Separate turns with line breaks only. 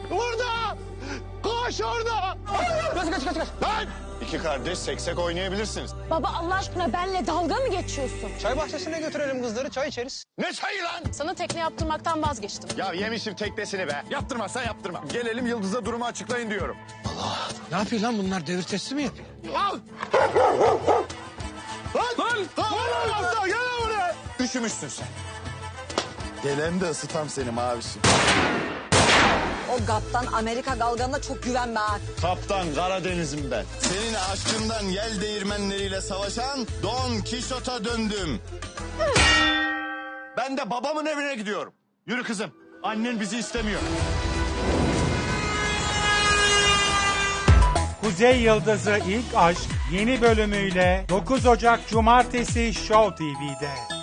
Burada! Koş orada! Kaç! Lan! İki kardeş seksek oynayabilirsiniz.
Baba Allah aşkına benle dalga mı geçiyorsun?
Çay bahçesine götürelim kızları, çay içeriz.
Ne çayı lan?
Sana tekne yaptırmaktan vazgeçtim.
Ya yemişim teknesini be. Yaptırmazsan yaptırma. Gelelim Yıldız'a durumu açıklayın diyorum.
Ne yapıyor lan bunlar, devir testi mi yapıyor?
Al! Lan! Gel buraya! Üşümüşsün sen. Gelen de ısıtam seni mavişim.
O GAP'tan Amerika galganına çok güvenme ha.
Kaptan Karadeniz'im ben. Senin aşkından yel değirmenleriyle savaşan Don Kişot'a döndüm. Ben de babamın evine gidiyorum. Yürü kızım. Annen bizi istemiyor.
Kuzey Yıldızı İlk Aşk yeni bölümüyle 9 Ocak Cumartesi Show TV'de.